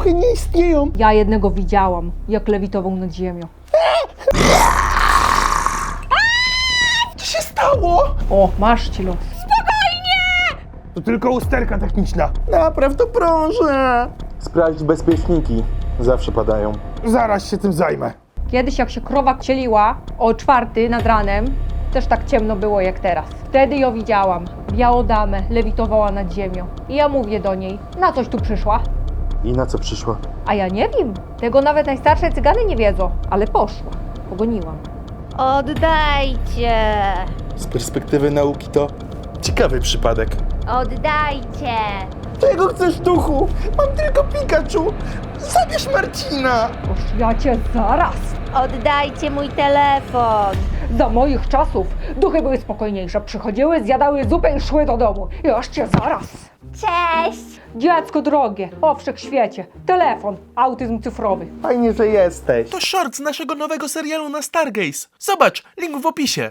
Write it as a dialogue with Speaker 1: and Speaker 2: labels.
Speaker 1: duchy nie istnieją.
Speaker 2: Ja jednego widziałam, jak lewitował nad ziemią.
Speaker 1: Co się stało?
Speaker 2: O, masz ci los.
Speaker 1: To tylko usterka techniczna. Napraw to proszę.
Speaker 3: Sprawdź bezpieczniki. Zawsze padają.
Speaker 1: Zaraz się tym zajmę.
Speaker 2: Kiedyś jak się krowa cieliła o 4 nad ranem, też tak ciemno było jak teraz. Wtedy ją widziałam. Białą damę lewitowała nad ziemią. I ja mówię do niej, na coś tu przyszła?
Speaker 3: I na co przyszła?
Speaker 2: A ja nie wiem. Tego nawet najstarsze cygany nie wiedzą. Ale poszła. Pogoniłam.
Speaker 4: Oddajcie!
Speaker 3: Z perspektywy nauki to ciekawy przypadek.
Speaker 4: Oddajcie!
Speaker 1: Czego chcesz, duchu? Mam tylko Pikachu. Zabierz Marcina.
Speaker 2: Boż ja cię zaraz.
Speaker 4: Oddajcie mój telefon!
Speaker 2: Za moich czasów duchy były spokojniejsze. Przychodziły, zjadały zupę i szły do domu. Już cię zaraz.
Speaker 4: Cześć!
Speaker 2: Dziecko drogie, o wszechświecie, telefon, autyzm cyfrowy.
Speaker 3: Fajnie, że jesteś.
Speaker 5: To short z naszego nowego serialu na Stargaze. Zobacz, link w opisie.